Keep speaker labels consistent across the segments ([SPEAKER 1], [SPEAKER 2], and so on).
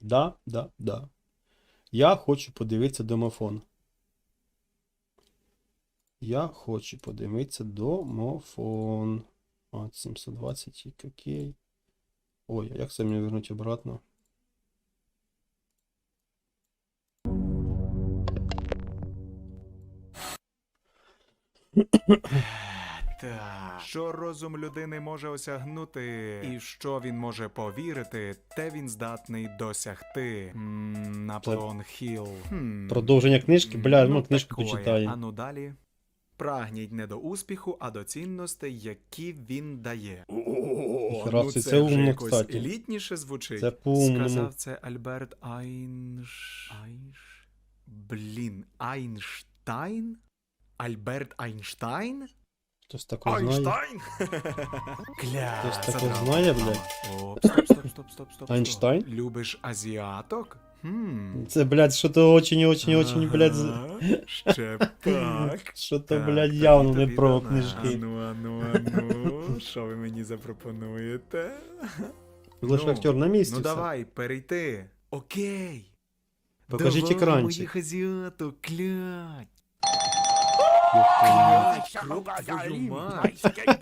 [SPEAKER 1] Да, да, да. Я хочу подивитися домофон. Я хочу подивитися домофон. А, 720, окей. Ой, а як це мені вернути обратно?
[SPEAKER 2] Так. Що розум людини може осягнути, і в що він може повірити, те він здатний досягти. Наполеон Хілл.
[SPEAKER 1] Продовження книжки? Бля, ну книжку
[SPEAKER 2] такое.
[SPEAKER 1] почитаю.
[SPEAKER 2] А ну далі. Прагніть не до успіху, а до цінностей, які він дає.
[SPEAKER 1] Ніхера, це
[SPEAKER 2] вже
[SPEAKER 1] умно,
[SPEAKER 2] якось
[SPEAKER 1] кстати.
[SPEAKER 2] елітніше звучить.
[SPEAKER 1] Це по-умному.
[SPEAKER 2] Сказав це Альберт Айнштайн? Альберт Айнштайн?
[SPEAKER 1] Хтось такого знає?
[SPEAKER 2] Кля,
[SPEAKER 1] Хтось такого
[SPEAKER 2] задрав.
[SPEAKER 1] знає, блядь?
[SPEAKER 2] Стоп.
[SPEAKER 1] Айнштайн?
[SPEAKER 2] Любиш азіаток?
[SPEAKER 1] Це, блядь, що-то очень, блядь,
[SPEAKER 2] Ще пак.
[SPEAKER 1] що-то,
[SPEAKER 2] Так,
[SPEAKER 1] блядь, явно
[SPEAKER 2] тобі
[SPEAKER 1] не про
[SPEAKER 2] дана.
[SPEAKER 1] книжки.
[SPEAKER 2] Ану. Що ви мені запропонуєте?
[SPEAKER 1] Лише актер на місці.
[SPEAKER 2] Ну
[SPEAKER 1] все.
[SPEAKER 2] давай, перейти. Окей.
[SPEAKER 1] Покажіть
[SPEAKER 2] Давай
[SPEAKER 1] екранчик.
[SPEAKER 2] моїх азіаток, клять.
[SPEAKER 3] Твою
[SPEAKER 2] мать.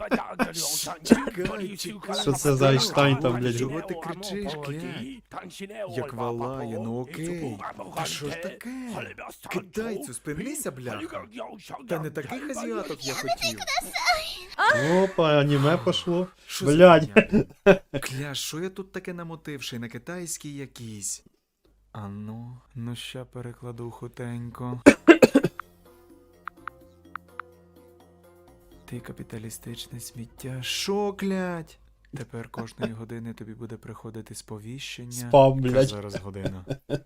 [SPEAKER 1] Що це за Айнштайн там, блядь?
[SPEAKER 2] Чого ти кричиш, клять? Як валає, ну окей. Та що ж таке? Китайцю, спинися, бляха. Та не таких азіаток я хотів.
[SPEAKER 1] Опа, аніме пошло.
[SPEAKER 2] Що за
[SPEAKER 1] Блядь.
[SPEAKER 2] хуйня? Кля, що я тут таке намотивши на китайський якийсь? Ну ща перекладу хутенько. Ти капіталістичне сміття. Шо, клять? Тепер кожної години тобі буде приходити сповіщення.
[SPEAKER 1] Спам,
[SPEAKER 2] Яка
[SPEAKER 1] блядь.
[SPEAKER 2] зараз година.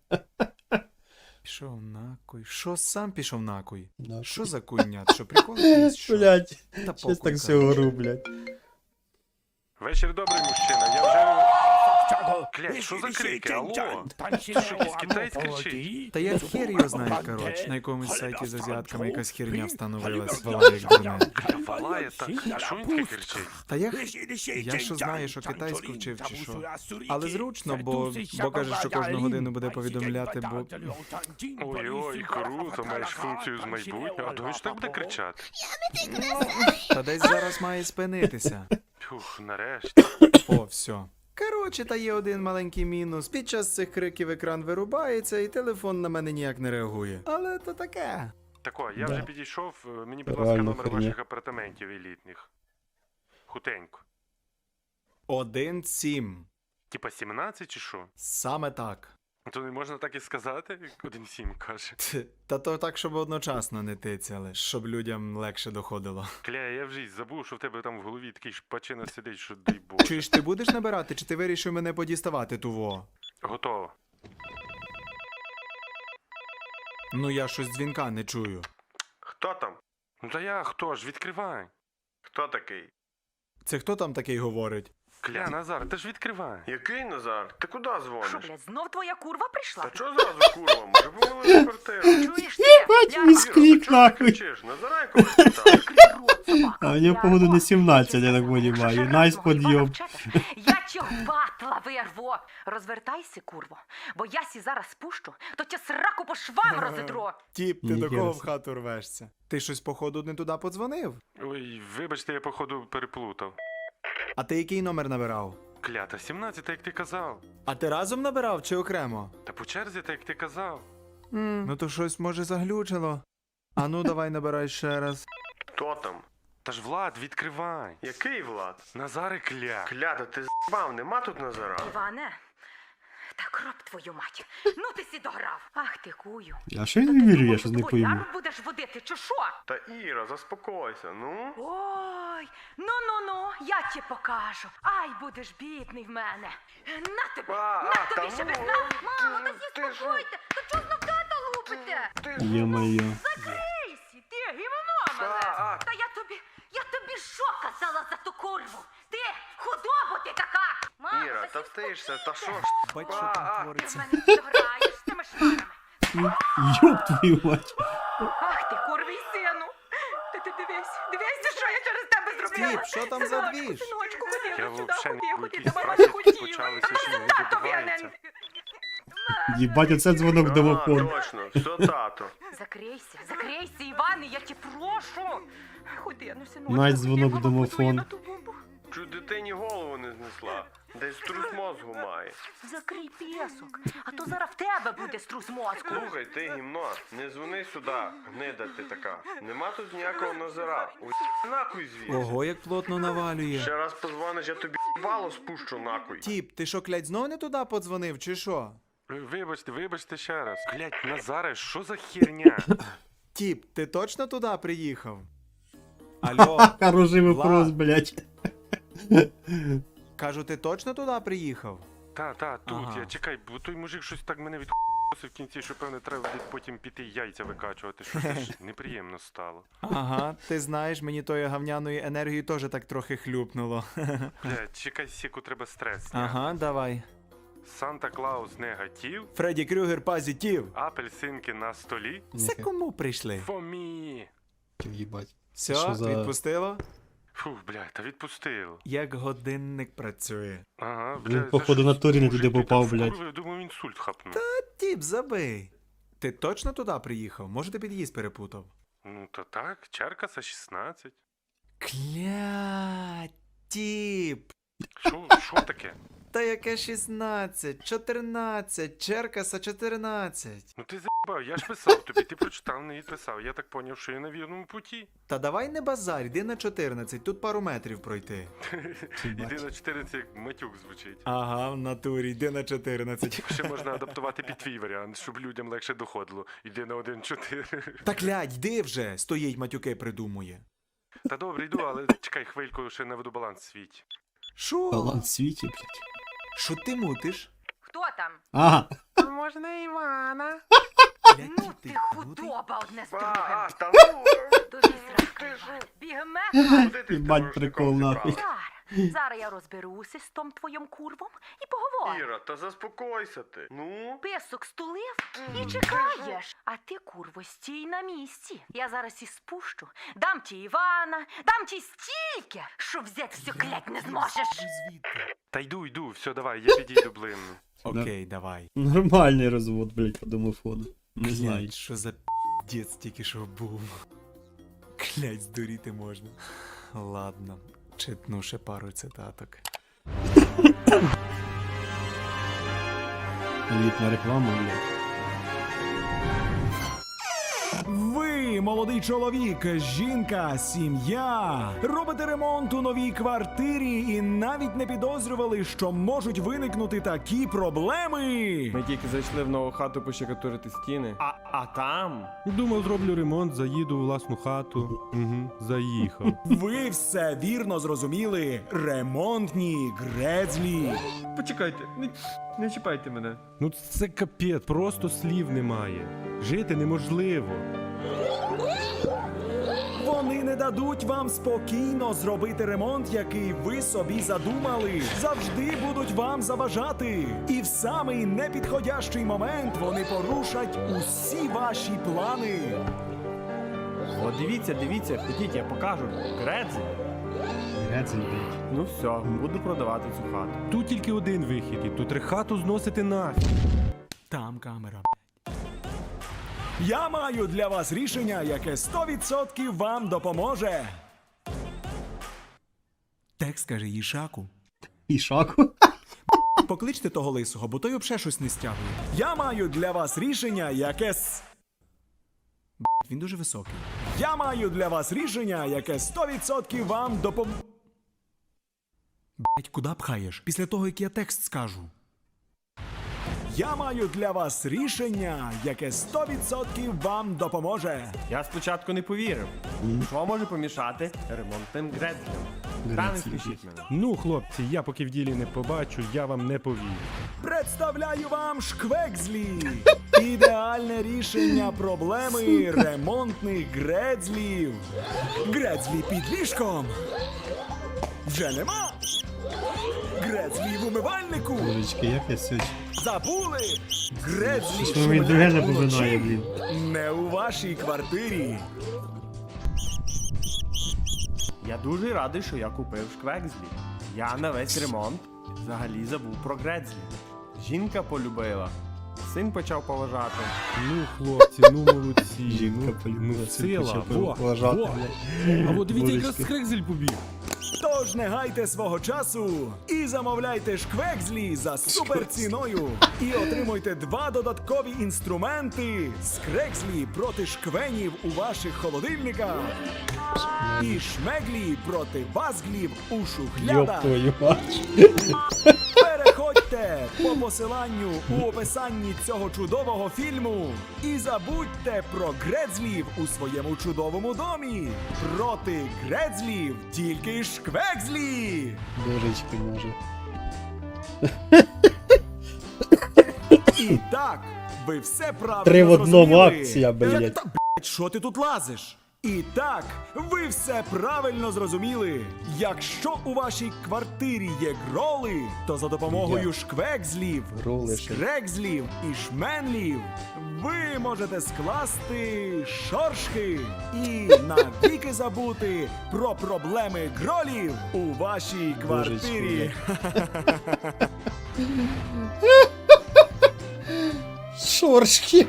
[SPEAKER 2] Пішов накуй. Що сам пішов накуй?
[SPEAKER 1] Нахуй.
[SPEAKER 2] Що за куйнят? Що прикол якийсь? Що?
[SPEAKER 1] Блядь,
[SPEAKER 2] Та
[SPEAKER 1] щось
[SPEAKER 2] похуй,
[SPEAKER 1] так все
[SPEAKER 2] коротше.
[SPEAKER 1] говорю, блядь.
[SPEAKER 4] Вечір добрий, мужчина. Я вже... Клять, що за крики? Алло? Що, якийсь китаєць кричить?
[SPEAKER 2] Та я хер його знаю, коротше. На якомусь сайті з азіатками якась херня встановилась. Вала як дурне.
[SPEAKER 4] Кля, валає так. А що він таке кричить?
[SPEAKER 2] Та я що знаю, що китайську вчив чи що. Але зручно, бо каже, що кожну годину буде повідомляти, бо...
[SPEAKER 4] Ой-ой, круто, маєш функцію з майбутнього. А то він ж так буде кричати.
[SPEAKER 2] Та десь зараз має спинитися.
[SPEAKER 4] Фух, нарешті.
[SPEAKER 2] О, все. Коротше, та є один маленький мінус. Під час цих криків екран вирубається і телефон на мене ніяк не реагує. Але то таке.
[SPEAKER 4] Тако, я
[SPEAKER 1] Да.
[SPEAKER 4] вже підійшов. Мені, будь ласка,
[SPEAKER 1] Реально
[SPEAKER 4] номер
[SPEAKER 1] херня.
[SPEAKER 4] ваших апартаментів елітних. Хутенько.
[SPEAKER 2] 1-7.
[SPEAKER 4] Типа 17 чи що?
[SPEAKER 2] Саме так.
[SPEAKER 4] То не можна так і сказати, як 1-7 каже.
[SPEAKER 2] Та то так, щоб одночасно не тицяли, щоб людям легше доходило.
[SPEAKER 4] Кля, я вже й забув, що в тебе там в голові такий шпачина сидить, що дай Боже.
[SPEAKER 2] Чуєш, ти будеш набирати, чи ти вирішив мене подіставати туво?
[SPEAKER 4] Готово.
[SPEAKER 2] Ну я щось дзвінка не чую.
[SPEAKER 4] Хто там? Ну та я, хто ж? Відкривай. Хто такий?
[SPEAKER 2] Це хто там такий говорить?
[SPEAKER 4] Кля, Назар, ти ж відкривай.
[SPEAKER 5] Який Назар? Ти куди
[SPEAKER 3] Що,
[SPEAKER 5] дзвониш?
[SPEAKER 3] блядь, знов твоя курва прийшла?
[SPEAKER 5] Та чого зразу курва? Може помили в квартиру?
[SPEAKER 3] Чуєш ти?
[SPEAKER 1] Бать,
[SPEAKER 3] Ляга,
[SPEAKER 1] міськлік,
[SPEAKER 5] Чого ти
[SPEAKER 1] нахуй.
[SPEAKER 5] кричиш? Назара якогось питав?
[SPEAKER 3] закрий рот, собака.
[SPEAKER 1] А у нього, походу, не 17, я так
[SPEAKER 3] Що
[SPEAKER 1] понимаю.
[SPEAKER 3] шарасного
[SPEAKER 1] Найс
[SPEAKER 3] їбана
[SPEAKER 1] подйом.
[SPEAKER 3] вчепиш? Я чого батла вирву. Розвертайся, курво, бо я сі зараз спущу, то тя сраку по швам розідру.
[SPEAKER 2] Тіп, ти
[SPEAKER 1] Ніхера
[SPEAKER 2] до кого в
[SPEAKER 1] собі.
[SPEAKER 2] хату рвешся? Ти щось, походу, не туди подзвонив?
[SPEAKER 4] Ой, вибачте, я походу переплутав.
[SPEAKER 2] А ти який номер набирав?
[SPEAKER 4] Клята, 17, як ти казав.
[SPEAKER 2] А ти разом набирав чи окремо?
[SPEAKER 4] Та по черзі, так як ти казав.
[SPEAKER 2] Ну то щось може заглючило. А ну давай набирай ще раз.
[SPEAKER 5] Хто там?
[SPEAKER 4] Та ж Влад, відкривай.
[SPEAKER 5] Який Влад?
[SPEAKER 4] Назари кля.
[SPEAKER 5] Кляда, ти з**бав, нема тут Назара?
[SPEAKER 3] Іване, та кроп твою мать. Ну ти сі дограв. Ах ти кую.
[SPEAKER 1] Я ще й не вірю, я щось не пойму.
[SPEAKER 3] Бояру будеш водити, чи що?
[SPEAKER 5] Та Іра, заспокойся, ну?
[SPEAKER 3] Ой, ну, я тебе покажу. Ай, будеш бідний в мене. На тобі, на тобі,
[SPEAKER 5] та
[SPEAKER 3] ще
[SPEAKER 5] ну,
[SPEAKER 3] без на. Мамо, та
[SPEAKER 5] ти ж-
[SPEAKER 3] заспокойте. Та чого знов тата лупите?
[SPEAKER 1] Є-моє.
[SPEAKER 3] Закрийся, ти гівно мене. Та я тобі що казала за ту курву? Ти худобу ти така. Мамо,
[SPEAKER 5] Іра, та
[SPEAKER 3] сі
[SPEAKER 5] втишся, та що ж?
[SPEAKER 2] Бать, що там
[SPEAKER 3] Ти в
[SPEAKER 2] твориться.
[SPEAKER 3] мене дограєш з тими шмарами.
[SPEAKER 1] Йоп твою мать.
[SPEAKER 3] Ах ти, курвий сину. Ти дивись, що я через тебе зробила.
[SPEAKER 2] Стіп, що там за двіж?
[SPEAKER 3] Синочку, ходи,
[SPEAKER 4] Я
[SPEAKER 3] сюди,
[SPEAKER 4] вообще
[SPEAKER 3] ходи,
[SPEAKER 4] не
[SPEAKER 3] ходи,
[SPEAKER 4] якісь
[SPEAKER 3] до мами
[SPEAKER 4] праці
[SPEAKER 3] не хотіла.
[SPEAKER 4] почалися, що не
[SPEAKER 3] Татові, а не-
[SPEAKER 4] відбувається.
[SPEAKER 1] Їбать, оце дзвонок в
[SPEAKER 5] А,
[SPEAKER 1] домофон.
[SPEAKER 5] точно, все, тато.
[SPEAKER 3] Закрийся, Іване, я тебе прошу. Ходи, ну, синочку,
[SPEAKER 1] Навіть
[SPEAKER 3] ходи,
[SPEAKER 1] дзвонок в
[SPEAKER 3] мама
[SPEAKER 1] домофон.
[SPEAKER 3] подує на ту бомбу.
[SPEAKER 5] Чуть дитині голову не знесла. Десь трус мозгу має.
[SPEAKER 3] Закрий песок, а то зараз в тебе буде струс мозку.
[SPEAKER 5] Слухай, ти гімно, не дзвони сюди, гнида ти така. Нема тут ніякого Назара. Нахуй звідси.
[SPEAKER 2] Ого, як плотно навалює.
[SPEAKER 5] Ще раз позвониш, я тобі бало спущу нахуй.
[SPEAKER 2] Тіп, ти що, клять, знов не туди подзвонив, чи що?
[SPEAKER 4] Вибачте ще раз. Блять, Назаре, що за херня?
[SPEAKER 2] Тіп, ти точно туди приїхав? Алло,
[SPEAKER 1] Хороший вопрос,
[SPEAKER 2] Влад.
[SPEAKER 1] блядь.
[SPEAKER 2] кажу, ти точно туди приїхав?
[SPEAKER 4] Та, тут
[SPEAKER 2] Ага.
[SPEAKER 4] я чекай, бо той мужик щось так мене відхосив в кінці, що певне треба буде потім піти яйця викачувати, що це ж неприємно стало.
[SPEAKER 2] Ага, ти знаєш, мені тої гавняної енергії теж так трохи хлюпнуло.
[SPEAKER 4] Блять, чекай сіку, треба стрес. зняти.
[SPEAKER 2] Ага, давай.
[SPEAKER 4] Санта Клаус негатив,
[SPEAKER 2] Фредді Крюгер позитив.
[SPEAKER 4] апельсинки на столі.
[SPEAKER 2] Це кому прийшли?
[SPEAKER 4] Фомі.
[SPEAKER 1] Їбать.
[SPEAKER 2] Все,
[SPEAKER 1] Що за-
[SPEAKER 2] відпустило?
[SPEAKER 4] Фух, блядь, та відпустило.
[SPEAKER 2] Як годинник працює.
[SPEAKER 4] Ага,
[SPEAKER 1] Він,
[SPEAKER 4] блядь.
[SPEAKER 1] походу, на турі не туди попав,
[SPEAKER 4] блядь.
[SPEAKER 1] блядь.
[SPEAKER 4] Я думаю, інсульт хапнув.
[SPEAKER 2] Тіп, забий. Ти точно туди приїхав? Може, ти під'їзд перепутав?
[SPEAKER 4] Ну то так, Черкаса 16.
[SPEAKER 2] Кля, тіп.
[SPEAKER 4] Що таке?
[SPEAKER 2] Та яке 16, 14, Черкаса 14.
[SPEAKER 4] Ну ти заїбав, я ж писав тобі, ти прочитав, не відписав. Я так поняв, що я на вірному путі.
[SPEAKER 2] Та давай не базарь, йди на 14, тут пару метрів пройти.
[SPEAKER 4] Іди на 14, як матюк звучить.
[SPEAKER 2] Ага, в натурі, йди на 14.
[SPEAKER 4] Ще можна адаптувати під твій варіант, щоб людям легше доходило. Іди на 1-4.
[SPEAKER 2] Та клядь, йди вже, стоїть матюки придумує.
[SPEAKER 4] Та добре, йду, але чекай хвильку, ще наведу баланс в світі.
[SPEAKER 2] Шо?
[SPEAKER 1] Баланс світі, блядь.
[SPEAKER 2] Що ти мутиш?
[SPEAKER 3] Хто там?
[SPEAKER 1] Ага.
[SPEAKER 4] Можна Івана?
[SPEAKER 3] Ну ти худоба одне з другим.
[SPEAKER 5] Та ну!
[SPEAKER 3] Тобі зразка. Бігмет.
[SPEAKER 5] Куди ти з
[SPEAKER 1] Їбать,
[SPEAKER 5] тим
[SPEAKER 1] прикол,
[SPEAKER 5] рушником
[SPEAKER 1] нахуй.
[SPEAKER 5] зібрала?
[SPEAKER 3] Зараз я розберуся з том твоїм курвом і поговорю.
[SPEAKER 5] Іра, та заспокойся ти. Ну?
[SPEAKER 3] Песок стулив і чекаєш. А ти, курво, стій на місці. Я зараз і спущу. Дам ті Івана, дам ті стільки, що взяти все клять не зможеш.
[SPEAKER 4] Та йду, все, давай, я підійду блимну.
[SPEAKER 2] Окей, давай.
[SPEAKER 1] Нормальний розвод, блядь, по домофону. Не знаю.
[SPEAKER 2] Клять, що за п'єць тільки що був. Клять, здуріти можна. Ладно, читну ще пару цитаток.
[SPEAKER 1] Елітна реклама, блядь.
[SPEAKER 6] Ви, молодий чоловік, жінка, сім'я, робите ремонт у новій квартирі і навіть не підозрювали, що можуть виникнути такі проблеми.
[SPEAKER 7] Ми тільки зайшли в нову хату пощекатурити стіни. А там?
[SPEAKER 8] Думав, зроблю ремонт, заїду у власну хату. Угу, заїхав.
[SPEAKER 6] Ви все вірно зрозуміли. Ремонтні грецлі.
[SPEAKER 7] Почекайте, не чіпайте мене.
[SPEAKER 8] Ну це капець, просто слів немає. Жити неможливо.
[SPEAKER 6] Вони не дадуть вам спокійно зробити ремонт, який ви собі задумали. Завжди будуть вам заважати. І в самий непідходящий момент вони порушать усі ваші плани.
[SPEAKER 7] О, дивіться, ходіть, я покажу. Гредзі.
[SPEAKER 1] Грецель, блядь.
[SPEAKER 7] Ну все, буду продавати цю хату.
[SPEAKER 8] Тут тільки один вихід, і тут хату зносити нафіг.
[SPEAKER 2] Там камера.
[SPEAKER 6] Я маю для вас рішення, яке 100% вам допоможе.
[SPEAKER 2] Текст каже Їшаку.
[SPEAKER 1] І шаку.
[SPEAKER 2] Покличте того лисого, бо той взагалі щось не стягує.
[SPEAKER 6] Я маю для вас рішення, яке
[SPEAKER 2] Він дуже високий.
[SPEAKER 6] Я маю для вас рішення, яке 100% вам допоможе.
[SPEAKER 2] Блять, куди пхаєш? Після того, як я текст скажу.
[SPEAKER 6] Я маю для вас рішення, яке 100% вам допоможе.
[SPEAKER 7] Я спочатку не повірив. Що може помішати ремонтним гредзлям? Та не спішіть мене.
[SPEAKER 8] Ну, хлопці, я поки в ділі не побачу, я вам не повірю.
[SPEAKER 6] Представляю вам шквекзлі. Ідеальне рішення проблеми ремонтних грецлів. Грецлі під ліжком. Вже нема. Грецлі в умивальнику.
[SPEAKER 1] Божечки, як я сьогодні.
[SPEAKER 6] Забули. Грецлі
[SPEAKER 1] Що він друге
[SPEAKER 6] шумлять
[SPEAKER 1] напоминає,
[SPEAKER 6] уночі.
[SPEAKER 1] блін.
[SPEAKER 6] Не у вашій квартирі.
[SPEAKER 7] Я дуже радий, що я купив шквекзлі. Я на весь ремонт взагалі забув про грецлі. Жінка полюбила. син почав поважати.
[SPEAKER 8] Ну, хлопці, ну молодці.
[SPEAKER 1] Жінка
[SPEAKER 8] Ну, сила. Во,
[SPEAKER 1] поважати,
[SPEAKER 8] во.
[SPEAKER 1] блядь.
[SPEAKER 8] А от дивіться, якраз
[SPEAKER 1] Божечки.
[SPEAKER 8] Скрекзель побіг.
[SPEAKER 6] Тож не гайте свого часу і замовляйте шквекзлі за суперціною. І отримуйте 2 додаткові інструменти скрекзлі проти шквенів у ваших холодильниках. І шмеглі проти вазглів у
[SPEAKER 1] Ёб
[SPEAKER 6] шухлядах.
[SPEAKER 1] твою мать.
[SPEAKER 6] Переходьте по посиланню у описанні цього чудового фільму і забудьте про грецлів у своєму чудовому домі. Проти грецлів тільки шквекзлі!
[SPEAKER 1] Божечки, може.
[SPEAKER 6] І так, ви все правильно
[SPEAKER 1] 3 в одному
[SPEAKER 6] зрозуміли.
[SPEAKER 1] акція, блядь.
[SPEAKER 6] Як та, блядь, що ти тут лазиш? І так, ви все правильно зрозуміли. Якщо у вашій квартирі є гроли, то за допомогою
[SPEAKER 1] Я.
[SPEAKER 6] шквекзлів,
[SPEAKER 1] Гроли ще.
[SPEAKER 6] скрекзлів і шменлів ви можете скласти шоршки і навіки забути про проблеми гролів у вашій квартирі.
[SPEAKER 1] Шоршки.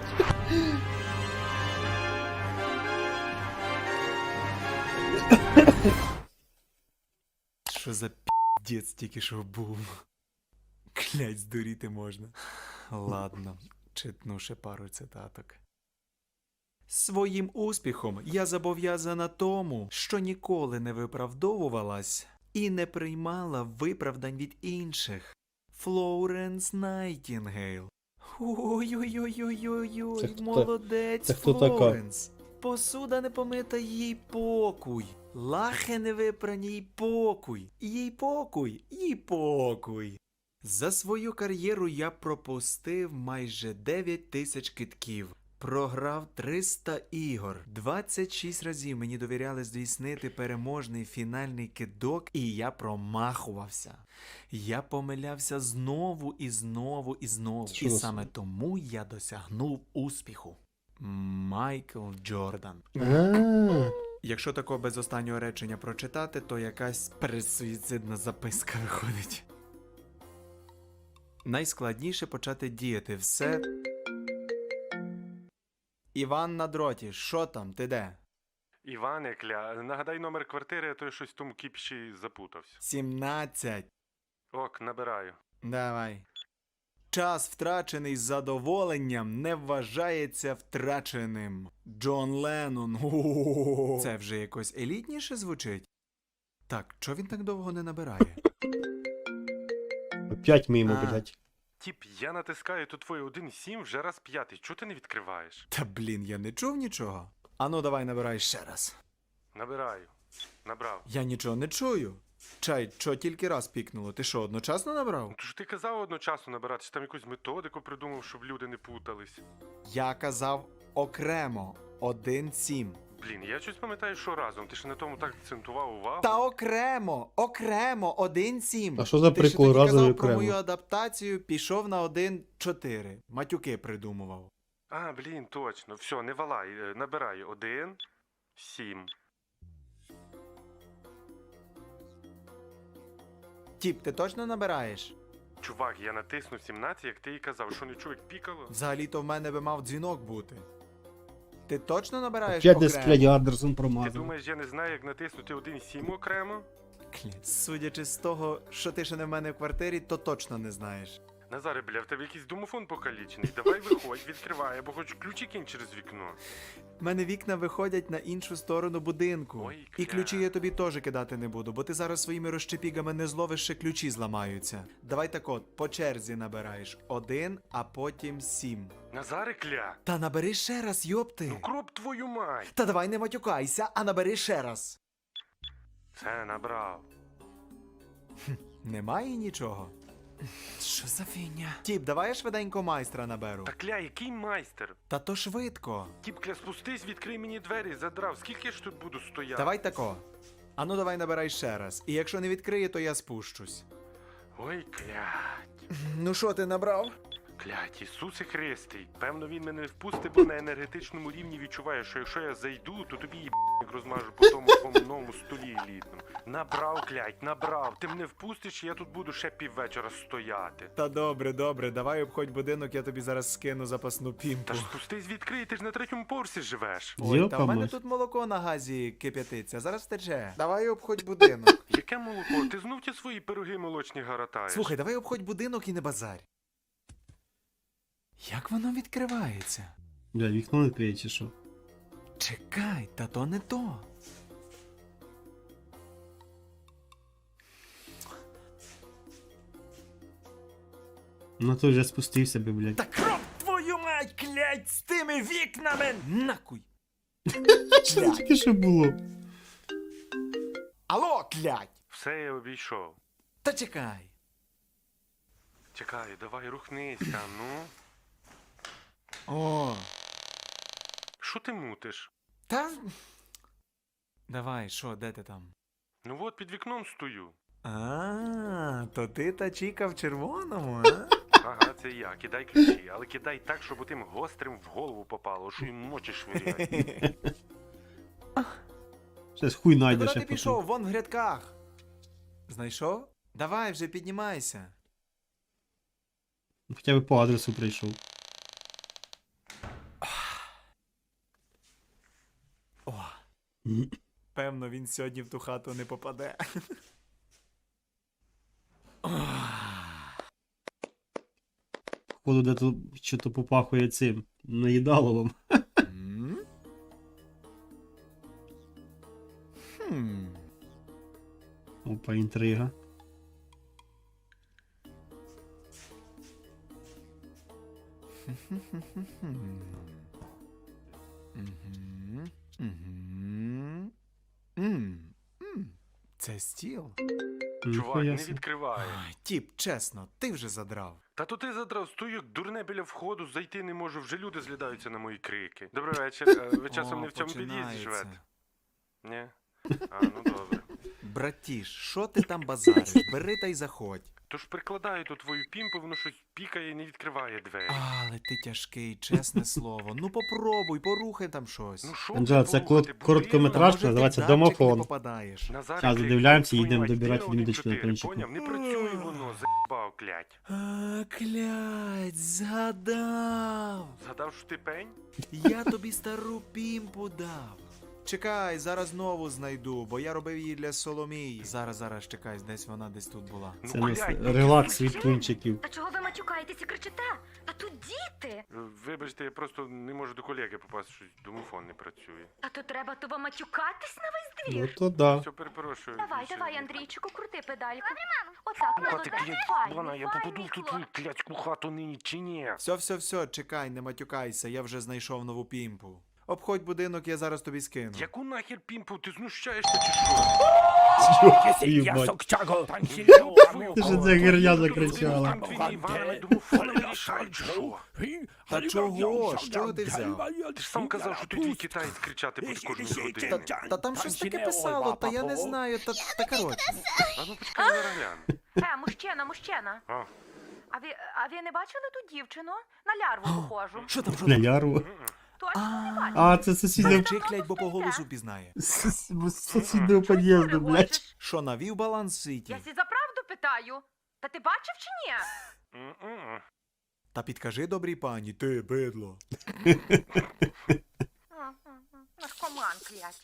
[SPEAKER 2] Що за піздець тільки що був? Клять, здуріти можна. Ладно, читну ще пару цитаток. Своїм успіхом я зобов'язана тому, що ніколи не виправдовувалась і не приймала виправдань від інших. Флоренс Найтінгейл.
[SPEAKER 1] Це
[SPEAKER 2] Ой-ой-ой-ой-ой,
[SPEAKER 1] хто
[SPEAKER 2] молодець,
[SPEAKER 1] це хто така?
[SPEAKER 2] Флоренс. Посуда не помита, їй покуй. Лахи не випрані, їй покуй. Їй покуй, їй покуй. За свою кар'єру я пропустив майже 9 тисяч китків. Програв 300 ігор. 26 разів мені довіряли здійснити переможний фінальний кидок, і я промахувався. Я помилявся знову і знову і знову.
[SPEAKER 1] Що
[SPEAKER 2] І
[SPEAKER 1] за
[SPEAKER 2] саме тому я досягнув успіху. Майкл Джордан.
[SPEAKER 1] А,
[SPEAKER 2] Якщо такого без останнього речення прочитати, то якась передсуїцидна записка виходить. Найскладніше почати діяти все. Іван на дроті, що там, ти де?
[SPEAKER 4] Іване, кля, нагадай номер квартири, а то я щось в тому кіпші запутався.
[SPEAKER 2] 17.
[SPEAKER 4] Ок, набираю.
[SPEAKER 2] Давай. Час, втрачений з задоволенням, не вважається втраченим. Джон Леннон. О-о-о. Це вже якось елітніше звучить? Так, чого він так довго не набирає?
[SPEAKER 1] опять мимо,
[SPEAKER 2] А.
[SPEAKER 1] блядь.
[SPEAKER 4] Тіп, я натискаю, то твоє 1,7 вже раз 5. Чого ти не відкриваєш?
[SPEAKER 2] Та блін, я не чув нічого. Ану, давай набирай ще раз.
[SPEAKER 4] Набираю. Набрав.
[SPEAKER 2] Я нічого не чую. Чай, що тільки раз пікнуло? Ти що, одночасно набрав?
[SPEAKER 4] Ну, то ж ти казав одночасно набирати, чи там якусь методику придумав, щоб люди не путались.
[SPEAKER 2] Я казав окремо. 1-7.
[SPEAKER 4] Блін, я щось пам'ятаю, що разом. Ти ж на тому так акцентував увагу.
[SPEAKER 2] Та окремо! Окремо! 1-7.
[SPEAKER 1] А що за
[SPEAKER 2] Ти
[SPEAKER 1] прикол
[SPEAKER 2] ще тоді
[SPEAKER 1] разом і
[SPEAKER 2] казав про
[SPEAKER 1] окремо?
[SPEAKER 2] мою адаптацію, пішов на 1-4. Матюки придумував.
[SPEAKER 4] А, блін, точно. Все, не валай. Набираю. 1, 7.
[SPEAKER 2] Тіп, ти точно набираєш?
[SPEAKER 4] Чувак, я натиснув 17, як ти і казав. Що не чув, як пікало?
[SPEAKER 2] Взагалі-то в мене би мав дзвінок бути. Ти точно набираєш
[SPEAKER 1] Опять десь,
[SPEAKER 2] окремо?
[SPEAKER 1] блядь, Андерсон
[SPEAKER 4] Ти
[SPEAKER 1] промазав.
[SPEAKER 4] думаєш, я не знаю, як натиснути 1,7 окремо?
[SPEAKER 2] Судячи з того, що ти ще не в мене в квартирі, то точно не знаєш.
[SPEAKER 4] Назаре, бля, в тебе якийсь домофон покалічений. Давай виходь, відкривай, або хоч ключі кинь через вікно.
[SPEAKER 2] В мене вікна виходять на іншу сторону будинку.
[SPEAKER 4] Ой,
[SPEAKER 2] І
[SPEAKER 4] кля.
[SPEAKER 2] ключі я тобі теж кидати не буду, бо ти зараз своїми розщепігами не зловиш, ще ключі зламаються. Давай так от, по черзі набираєш 1, а потім 7.
[SPEAKER 4] Назаре, кля!
[SPEAKER 2] Та набери ще раз, йопти.
[SPEAKER 4] Ну кроп твою мать!
[SPEAKER 2] Та давай не матюкайся, а набери ще раз.
[SPEAKER 4] Це набрав.
[SPEAKER 2] Немає нічого. Що за фігня? Тіп, давай я швиденько майстра наберу.
[SPEAKER 4] Та кля, який майстер?
[SPEAKER 2] Та то швидко.
[SPEAKER 4] Тіп, кля, спустись, відкрий мені двері, задрав. Скільки я ж тут буду стояти?
[SPEAKER 2] Давай тако. Ану давай набирай ще раз. І якщо не відкриє, то я спущусь.
[SPEAKER 4] Ой, клять.
[SPEAKER 2] Ну що, ти набрав?
[SPEAKER 4] Клять, Ісусе Христий. Певно, він мене не впустить, бо на енергетичному рівні відчуває, що якщо я зайду, то тобі їб як розмажу по тому твоєму новому столі елітному. Набрав, клять, набрав. Ти мене впустиш, і я тут буду ще піввечора стояти.
[SPEAKER 2] Та добре, добре, давай обходь будинок, я тобі зараз скину запасну пімпу.
[SPEAKER 4] Та ж спустись відкрий, ти ж на 3-му поверсі живеш.
[SPEAKER 2] Ой, та в мене
[SPEAKER 1] Йопамось.
[SPEAKER 2] тут молоко на газі кип'ятиться, зараз тече. Давай обходь будинок.
[SPEAKER 4] Яке молоко? Ти знов ті свої пироги молочні гаратаєш?
[SPEAKER 2] Слухай, давай обходь будинок і не базарь. Як воно відкривається?
[SPEAKER 1] Бля, вікно не клеє чи що?
[SPEAKER 2] Чекай, та то не то.
[SPEAKER 1] Ну то вже спустився би, блядь.
[SPEAKER 2] Та кроп твою мать, клять, з тими вікнами! Накуй!
[SPEAKER 1] Що це таке що було?
[SPEAKER 2] Алло, клять!
[SPEAKER 4] Все я обійшов.
[SPEAKER 2] Та чекай.
[SPEAKER 4] Чекай, давай рухнися, ну.
[SPEAKER 2] О,
[SPEAKER 4] Що ти мутиш?
[SPEAKER 2] та... Давай, що, де ти там?
[SPEAKER 4] Ну от під вікном стою.
[SPEAKER 2] А, то ти та чіка в червоному, а?
[SPEAKER 4] Ага, це я. Кидай ключі, але кидай так, щоб тим гострим в голову попало, що їм ночі швиряють.
[SPEAKER 1] Щас хуй
[SPEAKER 2] Ти
[SPEAKER 1] найдеш,
[SPEAKER 2] куди
[SPEAKER 1] я
[SPEAKER 2] ти пішов? Вон в грядках. Знайшов? Давай вже піднімайся.
[SPEAKER 1] Хоча б по адресу прийшов.
[SPEAKER 2] О, певно, він сьогодні в ту хату не попаде.
[SPEAKER 1] Походу, де тут що-то попахує цим наїдаловим.
[SPEAKER 2] М? Хм.
[SPEAKER 1] Опа, інтрига.
[SPEAKER 2] Мгм. Мгм. М. М. Це стіл.
[SPEAKER 4] Чувак,
[SPEAKER 1] Ніхуя
[SPEAKER 4] не
[SPEAKER 1] собі.
[SPEAKER 4] відкриває.
[SPEAKER 2] Ай, тіп, чесно, ти вже задрав.
[SPEAKER 4] Та то ти задрав, стою як дурне біля входу, зайти не можу, вже люди злідаються на мої крики. Добрий вечір. Ви часом
[SPEAKER 2] О,
[SPEAKER 4] не в цьому під'їзді
[SPEAKER 2] починається.
[SPEAKER 4] живете? Ні? А, ну добре.
[SPEAKER 2] Братіш, що ти там базариш? Бери та й заходь.
[SPEAKER 4] Тож прикладаю ту твою пімпу, воно щось пікає і не відкриває двері.
[SPEAKER 2] Але ти тяжкий, чесне слово. Ну попробуй, порухай там щось.
[SPEAKER 4] Ну що
[SPEAKER 1] Анджела,
[SPEAKER 4] ти
[SPEAKER 1] це
[SPEAKER 4] порухати,
[SPEAKER 1] короткометраж,
[SPEAKER 2] Може, ти
[SPEAKER 1] називається
[SPEAKER 2] в датчик не
[SPEAKER 1] домофон.
[SPEAKER 2] попадаєш.
[SPEAKER 4] Назарик,
[SPEAKER 1] Щас
[SPEAKER 4] клік,
[SPEAKER 1] додивляємося,
[SPEAKER 4] твою
[SPEAKER 1] їдемо
[SPEAKER 4] мать,
[SPEAKER 1] добирати
[SPEAKER 4] ти
[SPEAKER 1] відміточку на
[SPEAKER 4] 1-4,
[SPEAKER 1] кончику.
[SPEAKER 4] поняв? Не працює воно, заїбав, клять.
[SPEAKER 2] А, клять, згадав.
[SPEAKER 4] Згадав, що ти пень?
[SPEAKER 2] Я тобі стару пімпу дав. Чекай, зараз знову знайду, бо я робив її для Соломії. Зараз, чекай, десь тут була.
[SPEAKER 1] Це
[SPEAKER 4] Ну,
[SPEAKER 1] у нас
[SPEAKER 4] блядь,
[SPEAKER 1] релакс від пунчиків.
[SPEAKER 3] Та чого ви матюкаєтесь і кричите? Та тут діти.
[SPEAKER 4] Вибачте, я просто не можу до колеги попасти, що домофон не працює.
[SPEAKER 3] Та то треба то вам матюкатись на весь
[SPEAKER 1] Ну
[SPEAKER 3] двір.
[SPEAKER 1] то да.
[SPEAKER 4] Все, перепрошую.
[SPEAKER 3] Давай,
[SPEAKER 4] Ще
[SPEAKER 3] давай,
[SPEAKER 4] не-
[SPEAKER 3] Андрійчику, крути педальку. Отак,
[SPEAKER 4] Кати,
[SPEAKER 3] молодець.
[SPEAKER 4] клять,
[SPEAKER 3] Файний,
[SPEAKER 4] вона, я
[SPEAKER 3] файний
[SPEAKER 4] попаду в ту твою
[SPEAKER 3] хлопчик.
[SPEAKER 4] клятську хату нині чи ні?
[SPEAKER 2] Все, чекай, не матюкайся, я вже знайшов нову пімпу. Обходь будинок, я зараз тобі скину.
[SPEAKER 4] Яку нахер пімпу, ти знущаєшся чи що?
[SPEAKER 1] Їбать. Ти ж це гирня закричала.
[SPEAKER 2] Та чого? З чого ти взяв?
[SPEAKER 4] Ти ж сам казав, що ти твій китаєць кричати буде кожної години.
[SPEAKER 2] Та там щось таке писало, та я не знаю, та коротше.
[SPEAKER 4] А ну почекай, зараз гляну.
[SPEAKER 3] Мужчина.
[SPEAKER 4] А,
[SPEAKER 3] А ви не бачили ту дівчину? На лярву похожу.
[SPEAKER 2] Що там?
[SPEAKER 1] Бля, яру.
[SPEAKER 3] Точно не бачили?
[SPEAKER 1] А, це сусідня
[SPEAKER 2] Мовчи, клять, бо по голосу пізнає.
[SPEAKER 1] сусіднього під'їзду, блядь.
[SPEAKER 2] Що, навів баланс в світі?
[SPEAKER 3] Я сі за правду питаю. Та ти бачив чи ні?
[SPEAKER 4] м-м.
[SPEAKER 2] Та підкажи добрій пані, ти бидло.
[SPEAKER 3] Наркоман, клять.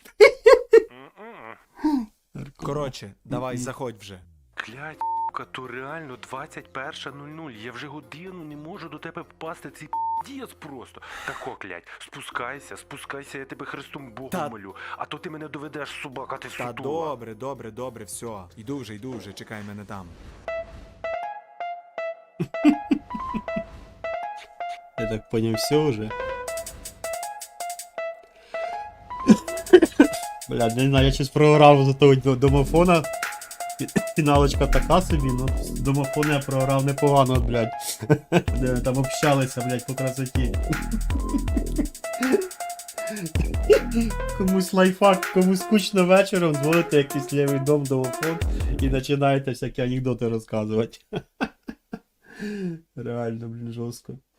[SPEAKER 4] М-м.
[SPEAKER 2] Коротше, давай, заходь вже.
[SPEAKER 4] Клять, то реально 21:00. Я вже годину не можу до тебе попасти. Цей дієць просто. Тако, клять, спускайся, я тебе Христом Богом
[SPEAKER 2] Та-
[SPEAKER 4] молю. А то ти мене доведеш, собака, ти
[SPEAKER 2] Та
[SPEAKER 4] сутула.
[SPEAKER 2] добре, все. Йду вже, чекай мене там.
[SPEAKER 1] Я так понял, все уже. Бля, не знаю, я щось програв за того домофона. Фіналочка така собі, ну домофон я програв непогано, блядь. Де ми там общалися, блядь, по красоті. Комусь лайфхак, комусь скучно вечором, дзвоните якийсь лівий дом, домофон і починаєте всякі анекдоти розказувати. Реально, блін, жорстко.